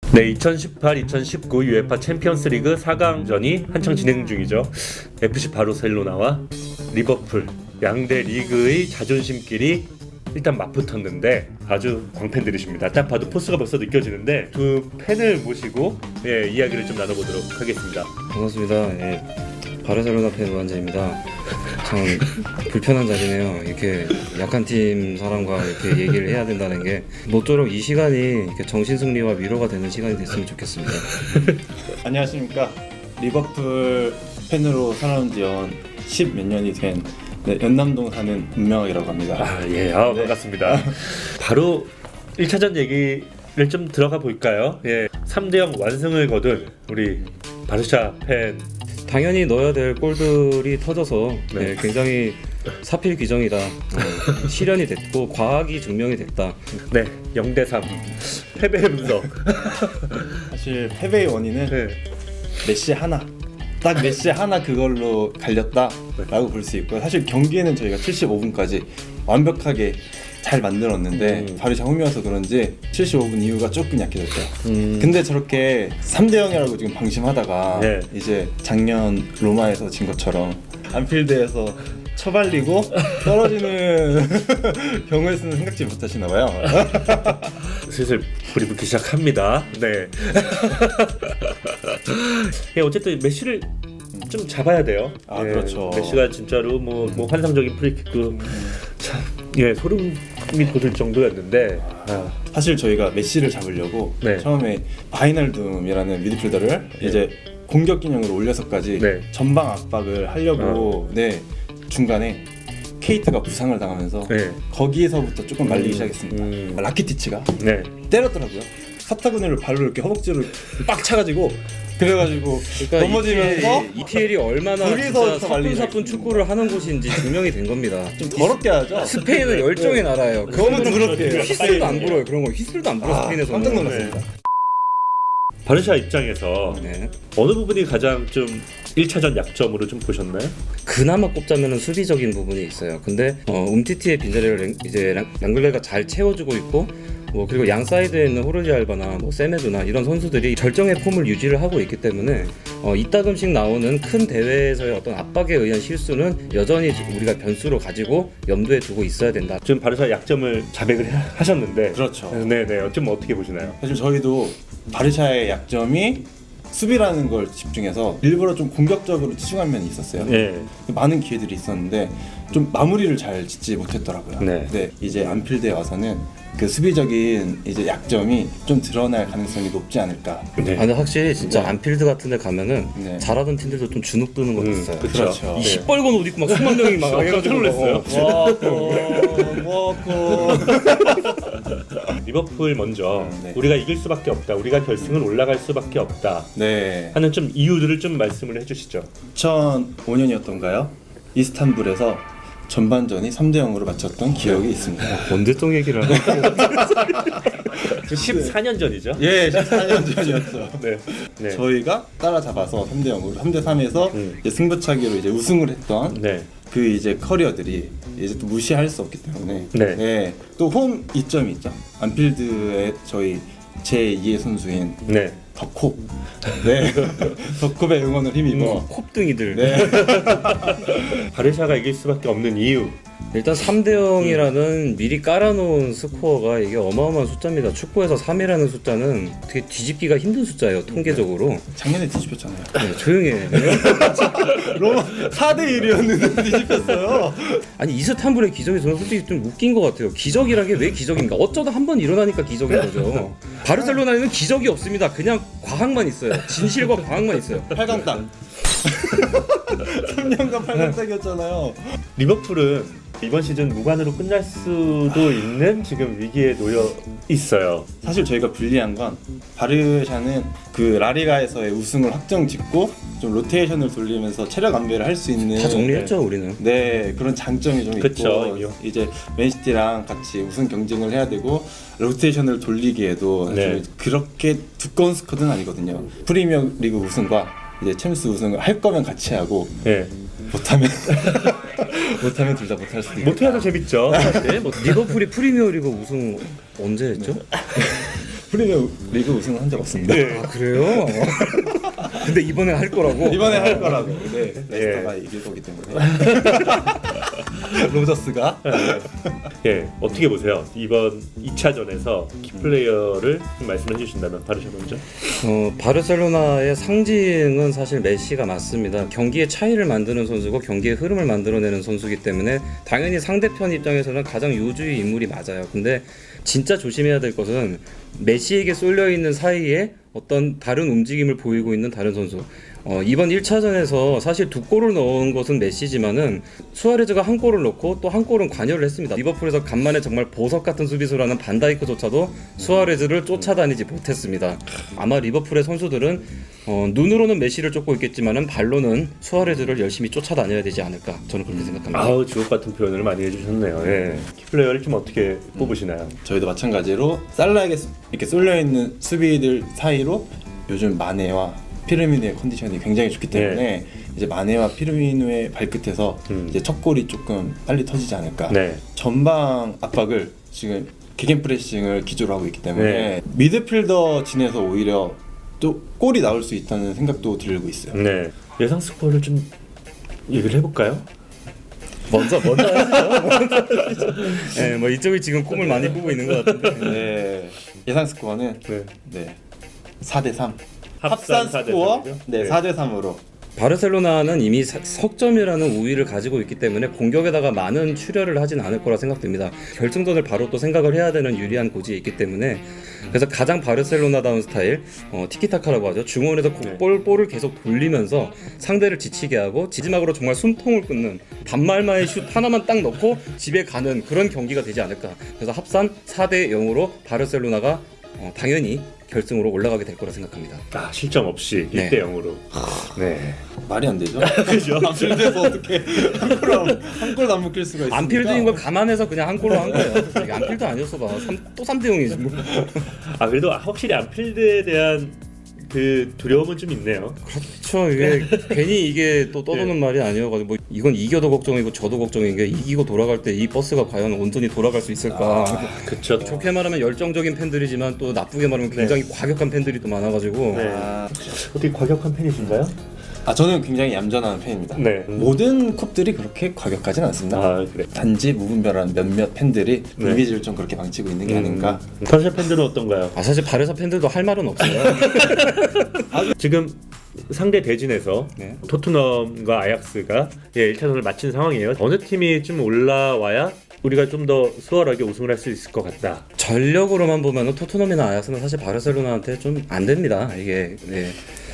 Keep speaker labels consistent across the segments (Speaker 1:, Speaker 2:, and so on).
Speaker 1: 네, 2018-2019 UEFA 챔피언스리그 4강전이 한창 진행 중이죠. FC 바르셀로나와 리버풀 양대 리그의 자존심끼리 일단 맞붙었는데 아주 광팬들이십니다. 딱 봐도 포스가 벌써 느껴지는데 두 팬을 모시고 이야기를 좀 나눠보도록 하겠습니다.
Speaker 2: 반갑습니다. 바르셀로나 팬 우한재입니다. 참 불편한 자리네요. 이렇게 약한 팀 사람과 이렇게 얘기를 해야 된다는 게 모쪼록 이 시간이 이렇게 정신승리와 위로가 되는 시간이 됐으면 좋겠습니다.
Speaker 3: 안녕하십니까. 리버풀 팬으로 살아온 지 10 몇 년이 된 연남동 사는 문명이라고 합니다.
Speaker 1: 네. 반갑습니다. 바로 1차전 얘기를 좀 들어가 볼까요? 3대0 완승을 거둔 우리 바르샤 팬.
Speaker 2: 당연히 넣어야 될 골들이 터져서 굉장히 사필 규정이다. 실현이 됐고 과학이 증명이 됐다.
Speaker 1: 네, 0대3 패배의 분석.
Speaker 3: 사실 패배의 원인은 메시 하나, 딱 메시 하나 그걸로 갈렸다라고 볼 수 있고요. 사실 경기에는 저희가 75분까지 완벽하게 잘 만들었는데 바르샤 홈이어서 그런지 75분 이후가 조금 약해졌죠. 근데 저렇게 3대0이라고 지금 방심하다가 이제 작년 로마에서 진 것처럼 안필드에서 처발리고 떨어지는 경우에서는 생각지 못하시나 봐요.
Speaker 1: 슬슬 불이 붙기 시작합니다. 네. 어쨌든 메시를 좀 잡아야 돼요.
Speaker 3: 그렇죠.
Speaker 1: 메시가 진짜로 뭐 환상적인 프리킥도 참 소름이 돋을 정도였는데
Speaker 3: 사실 저희가 메시를 잡으려고 처음에 바이널둠이라는 미드필더를 이제 공격 기능으로 올려서까지 전방 압박을 하려고 중간에 케이트가 부상을 당하면서 거기에서부터 조금 말리기 시작했습니다. 라키티치가 때렸더라고요. 사타구니를 발로 이렇게 허벅지를 빡 차가지고 그래가지고 넘어지면서
Speaker 2: EPL이 얼마나 진짜 사뿐사뿐 축구를 하는 곳인지 증명이 된 겁니다.
Speaker 3: 좀 더럽게 하죠.
Speaker 2: 스페인은 열정의 나라예요.
Speaker 3: 너무 더럽게 해요.
Speaker 2: 휘슬도 안 불어요. 그런 거 휘슬도 안 불어. 스페인에서
Speaker 3: 깜짝 놀랐습니다.
Speaker 1: 바르샤 입장에서 어느 부분이 가장 좀 1차전 약점으로 좀 보셨나요?
Speaker 2: 그나마 꼽자면 수비적인 부분이 있어요. 근데 움티티의 빈자리를 이제 랑글레가 잘 채워주고 있고 그리고 양 사이드에 있는 호르지 알바나 세메도나 이런 선수들이 절정의 폼을 유지를 하고 있기 때문에 이따금씩 나오는 큰 대회에서의 어떤 압박에 의한 실수는 여전히 우리가 변수로 가지고 염두에 두고 있어야 된다.
Speaker 1: 지금 바르샤 약점을 자백을 하셨는데
Speaker 3: 그렇죠.
Speaker 1: 좀 어떻게 보시나요?
Speaker 3: 사실 저희도 바르샤의 약점이 수비라는 걸 집중해서 일부러 좀 공격적으로 치중한 면이 있었어요. 많은 기회들이 있었는데 좀 마무리를 잘 짓지 못했더라고요. 근데 이제 안필드에 와서는 그 수비적인 이제 약점이 좀 드러날 가능성이 높지 않을까.
Speaker 2: 근데 확실히 진짜 안필드 같은 데 가면은 잘하던 팀들도 좀 주눅 드는 거 있어요.
Speaker 3: 그렇죠.
Speaker 2: 이 시뻘건 옷 입고 막 수만 명이 막 해가지고
Speaker 1: 놀랐어요.
Speaker 3: 와코
Speaker 1: 리버풀 먼저 우리가 이길 수밖에 없다. 우리가 결승을 올라갈 수밖에 없다. 하는 좀 이유들을 좀 말씀을 해주시죠.
Speaker 3: 2005년이었던가요? 이스탄불에서 전반전이 3대0으로 마쳤던 기억이 있습니다.
Speaker 2: 언제적 얘기를 하는
Speaker 1: 14년 전이죠?
Speaker 3: 14년 전이었죠.
Speaker 1: 네.
Speaker 3: 저희가 따라잡아서 3대0으로 3대3에서 승부차기로 이제 우승을 했던 그 이제 커리어들이 이제 또 무시할 수 없기 때문에 또 홈 이점이 있죠. 안필드의 저희 제2의 선수인 덕콥. 덕콥의 응원을 힘입어
Speaker 2: 콥등이들.
Speaker 1: 바르샤가 이길 수밖에 없는 이유.
Speaker 2: 일단 3대0이라는 미리 깔아놓은 스코어가 이게 어마어마한 숫자입니다. 축구에서 3이라는 숫자는 되게 뒤집기가 힘든 숫자예요. 통계적으로.
Speaker 3: 작년에 뒤집혔잖아요.
Speaker 2: 조용히 해.
Speaker 3: 로마 4대1이었는데 뒤집혔어요.
Speaker 2: 아니 이스탄불의 기적이 저는 솔직히 좀 웃긴 것 같아요. 기적이란 게 왜 기적인가? 어쩌다 한 번 일어나니까 기적인 거죠. 바르셀로나에는 기적이 없습니다. 그냥 과학만 있어요. 진실과 과학만 있어요.
Speaker 3: 8강 땅. 3년간 8강 땅이었잖아요.
Speaker 1: 리버풀은 이번 시즌 무관으로 끝날 수도 있는 지금 위기에 놓여 있어요.
Speaker 3: 사실 저희가 불리한 건 바르샤는 그 라리가에서의 우승을 확정 짓고 좀 로테이션을 돌리면서 체력 안배를 할 수 있는
Speaker 2: 다 정리했죠 우리는.
Speaker 3: 그런 장점이 좀 있고 이제 맨시티랑 같이 우승 경쟁을 해야 되고 로테이션을 돌리기에도 그렇게 두꺼운 스쿼드는 아니거든요. 프리미어리그 우승과 이제 챔스 우승을 할 거면 같이 하고 못하면 둘 다 못할 수도 있고
Speaker 1: 못해야 더 재밌죠.
Speaker 2: 리버풀이 프리미어리그 우승 언제 했죠?
Speaker 3: 프리미어 리그 우승을 한 적 없습니다.
Speaker 2: 아 그래요? 근데 이번에 할 거라고?
Speaker 3: 이번에 할 거라고. 네, 레스터가 이길 거기 때문에. 로저스가.
Speaker 1: 예, 어떻게 보세요? 이번 2차전에서 키플레이어를 좀 말씀해 주신다면 바르샤 먼저.
Speaker 2: 바르셀로나의 상징은 사실 메시가 맞습니다. 경기의 차이를 만드는 선수고 경기의 흐름을 만들어내는 선수이기 때문에 당연히 상대편 입장에서는 가장 요주의 인물이 맞아요. 근데 진짜 조심해야 될 것은 메시에게 쏠려 있는 사이에 어떤 다른 움직임을 보이고 있는 다른 선수. 이번 1차전에서 사실 2골을 넣은 것은 메시지만은 수아레즈가 1골을 넣고 또 1골은 관여를 했습니다. 리버풀에서 간만에 정말 보석 같은 수비수라는 반다이크조차도 수아레즈를 쫓아다니지 못했습니다. 아마 리버풀의 선수들은 눈으로는 메시를 쫓고 있겠지만은 발로는 수아레즈를 열심히 쫓아다녀야 되지 않을까, 저는 그렇게 생각합니다.
Speaker 1: 아우, 주옥 같은 표현을 많이 해주셨네요. 예. 키플레이어를 좀 어떻게 뽑으시나요?
Speaker 3: 저희도 마찬가지로 살라에게 이렇게 쏠려 있는 수비들 사이로 요즘 마네와 피르미누의 컨디션이 굉장히 좋기 때문에 이제 마네와 피르미누의 발끝에서 이제 첫 골이 조금 빨리 터지지 않을까.
Speaker 1: 네.
Speaker 3: 전방 압박을 지금 개겐 프레싱을 기조로 하고 있기 때문에 미드필더 진에서 오히려 또 골이 나올 수 있다는 생각도 들고 있어요.
Speaker 1: 네. 예상 스코어를 좀 얘기를 해볼까요?
Speaker 2: 먼저 하시죠. 네, 뭐 이쪽이 지금 꿈을 많이 꾸고 있는 것 같은데.
Speaker 3: 네. 예상 스코어는
Speaker 1: 네.
Speaker 3: 4대3.
Speaker 1: 합산
Speaker 3: 합산 스코어
Speaker 1: 4대3이죠?
Speaker 3: 네, 4대3으로.
Speaker 2: 바르셀로나는 이미 석점이라는 우위를 가지고 있기 때문에 공격에다가 많은 출혈을 하진 않을 거라 생각됩니다. 결승전을 바로 또 생각을 해야 되는 유리한 고지에 있기 때문에 그래서 가장 바르셀로나다운 스타일 티키타카라고 하죠. 중원에서 볼을 계속 돌리면서 상대를 지치게 하고 지지막으로 정말 숨통을 끊는 반말마의 슛 하나만 딱 넣고 집에 가는 그런 경기가 되지 않을까. 그래서 합산 4대 0으로 바르셀로나가 당연히 결승으로 올라가게 될 거라 생각합니다.
Speaker 1: 아, 실점 없이
Speaker 2: 네.
Speaker 1: 1대 0으로. 네.
Speaker 3: 말이 안 되죠. 그죠? 안필드에서 어떻게 한 골도 안 먹힐 수가 있습니까?
Speaker 2: 안필드인 걸 감안해서 그냥 한 골로 한 거예요. 이게 안필드 아니었어 봐. 또 3대 0이지 뭐.
Speaker 1: 아, 그래도 확실히 안필드에 대한 그 두려움은 좀 있네요.
Speaker 2: 그렇죠. 이게 괜히 이게 또 떠도는 말이 아니어가지고 뭐 이건 이겨도 걱정이고 저도 걱정인 게 이기고 돌아갈 때 이 버스가 과연 온전히 돌아갈 수 있을까.
Speaker 1: 그쵸.
Speaker 2: 좋게 말하면 열정적인 팬들이지만 또 나쁘게 말하면 굉장히 과격한 팬들이 또 많아가지고
Speaker 1: 네. 어떻게 과격한 팬이신가요?
Speaker 3: 저는 굉장히 얌전한 팬입니다.
Speaker 1: 네.
Speaker 3: 모든 컵들이 그렇게 과격하진 않습니다.
Speaker 1: 아, 그래.
Speaker 3: 단지 무분별한 몇몇 팬들이
Speaker 1: 네.
Speaker 3: 이미지를 좀 그렇게 망치고 있는 게 아닌가.
Speaker 1: 바르샤 팬들은 어떤가요?
Speaker 2: 사실 바르사 팬들도 할 말은 없어요.
Speaker 1: 지금 상대 대진에서
Speaker 2: 네.
Speaker 1: 토트넘과 아약스가 1차전을 마친 상황이에요. 어느 팀이 좀 올라와야 우리가 좀 더 수월하게 우승을 할 수 있을 것 같다.
Speaker 2: 전력으로만 보면은 토트넘이나 아약스는 사실 바르셀로나한테 좀 안 됩니다. 이게 네.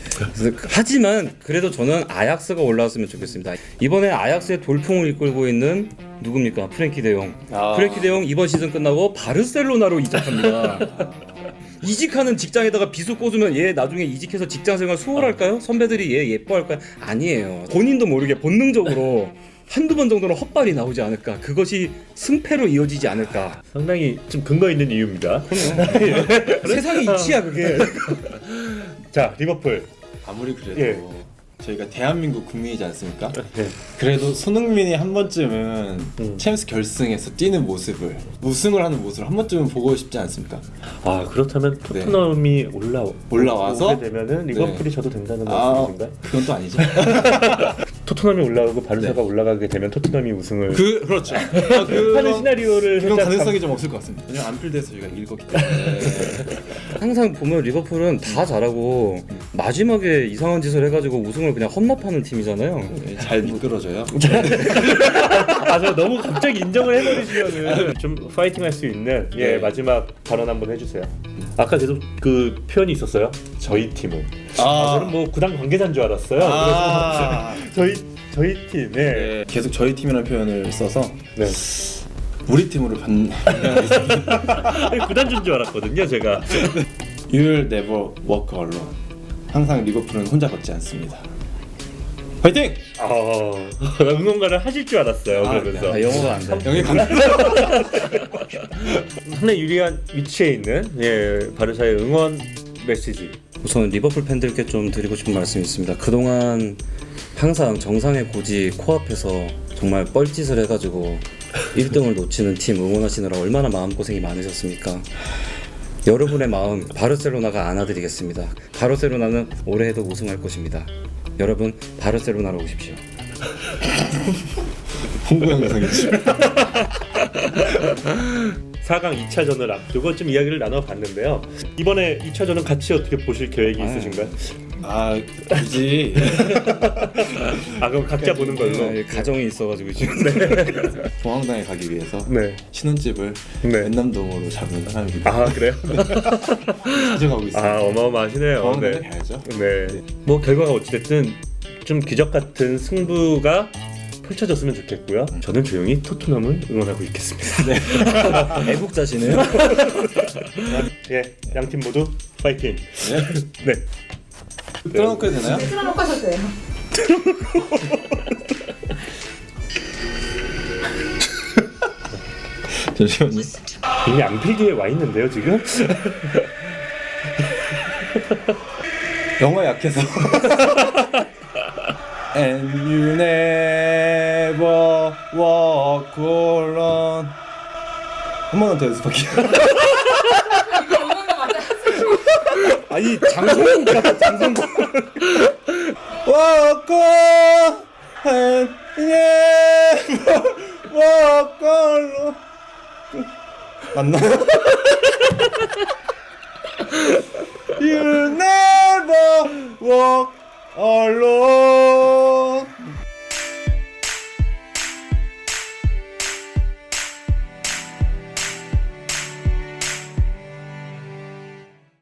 Speaker 2: 하지만 그래도 저는 아약스가 올라왔으면 좋겠습니다. 이번에 아약스의 돌풍을 이끌고 있는 누굽니까? 프랭키 데용. 프랭키 데용 이번 시즌 끝나고 바르셀로나로 이적합니다. 이직하는 직장에다가 비수 꽂으면 얘 나중에 이직해서 직장생활 수월할까요? 선배들이 얘 예뻐할까요? 아니에요. 본인도 모르게 본능적으로 한두 번 정도는 헛발이 나오지 않을까. 그것이 승패로 이어지지 않을까.
Speaker 1: 상당히 좀 근거 있는 이유입니다.
Speaker 2: 세상의 이치야 그게.
Speaker 1: 자, 리버풀.
Speaker 3: 아무리 그래도 저희가 대한민국 국민이지 않습니까? 그래도 손흥민이 한 번쯤은 챔스 결승에서 뛰는 모습을, 우승을 하는 모습을 한 번쯤은 보고 싶지 않습니까?
Speaker 1: 아, 그렇다면 토트넘이
Speaker 3: 올라와서
Speaker 1: 오게 되면은 리버풀이 져도 된다는
Speaker 3: 아,
Speaker 1: 말씀이신가요?
Speaker 3: 그건 또 아니죠.
Speaker 1: 토트넘이 올라오고 바르사가 올라가게 되면 토트넘이 우승을
Speaker 3: 그렇죠.
Speaker 1: 하는 시나리오를
Speaker 3: 그런
Speaker 1: 살짝
Speaker 3: 가능성이 좀 없을 것 같습니다. 왜냐면 안필드에서 저희가 이길 거기 때문에.
Speaker 2: 항상 보면 리버풀은 다 잘하고 마지막에 이상한 짓을 해가지고 우승을 그냥 험납하는 팀이잖아요.
Speaker 3: 잘 미끄러져요.
Speaker 1: 아, 저 너무 갑자기 인정을 해버리시면은 좀 파이팅할 수 있는 마지막 발언 한번 해주세요. 아까 계속 그 표현이 있었어요. 저희 팀은. 저는 뭐 구단 관계자인 줄 알았어요. 그래서 저희 팀.
Speaker 3: 계속 저희 팀이라는 표현을 써서
Speaker 1: 네.
Speaker 3: 우리 팀으로
Speaker 1: 아니, 구단주인 줄 알았거든요, 제가.
Speaker 3: You'll never walk alone. 항상 리버풀은 혼자 걷지 않습니다. 화이팅!
Speaker 1: 응원가를 하실 줄 알았어요. 그러면서
Speaker 2: 영어가 안 돼.
Speaker 3: 영예 강.
Speaker 1: 상당히 유리한 위치에 있는 바르샤의 응원 메시지.
Speaker 2: 우선 리버풀 팬들께 좀 드리고 싶은 말씀이 있습니다. 그동안 항상 정상의 고지 코앞에서 정말 뻘짓을 해가지고 1등을 놓치는 팀 응원하시느라 얼마나 마음고생이 많으셨습니까? 여러분의 마음 바르셀로나가 안아드리겠습니다. 바르셀로나는 올해에도 우승할 것입니다. 여러분 바르셀로나로 오십시오.
Speaker 3: 홍보 영상이죠.
Speaker 1: 4강 2차전을 앞두고 좀 이야기를 나눠봤는데요. 이번에 2차전은 같이 어떻게 보실 계획이 있으신가요?
Speaker 3: 아 굳이
Speaker 1: 아 그럼 각자 보는 걸로.
Speaker 2: 네, 가정이 있어가지고 지금.
Speaker 3: 중앙당에 가기 위해서
Speaker 1: 네.
Speaker 3: 신혼집을
Speaker 1: 네.
Speaker 3: 연남동으로 잡은 사람입니다.
Speaker 1: 아 그래요?
Speaker 3: 가져가고 있습니다.
Speaker 1: 아 어마어마하시네요.
Speaker 3: 중앙당에
Speaker 1: 네.
Speaker 3: 가야죠.
Speaker 1: 네. 뭐 결과가 어찌됐든 좀 기적 같은 승부가 펼쳐졌으면 좋겠고요. 저는 조용히 토트넘을 응원하고 있겠습니다.
Speaker 2: 애국자시네요.
Speaker 1: 예, 양 팀 모두 파이팅.
Speaker 3: 네.
Speaker 1: 네.
Speaker 3: 틀어놓고 해도 되나요?
Speaker 4: 틀어놓고 하셔도 돼요.
Speaker 3: 잠시만요.
Speaker 1: 이미 안필드에 와 있는데요 지금.
Speaker 3: 영어 약해서. And you never walk alone. 한 번만 더 연습할게요.
Speaker 2: 아니 장성국 같아 장성국.
Speaker 3: Walk on and never walk alone. 맞나요? You never walk alone.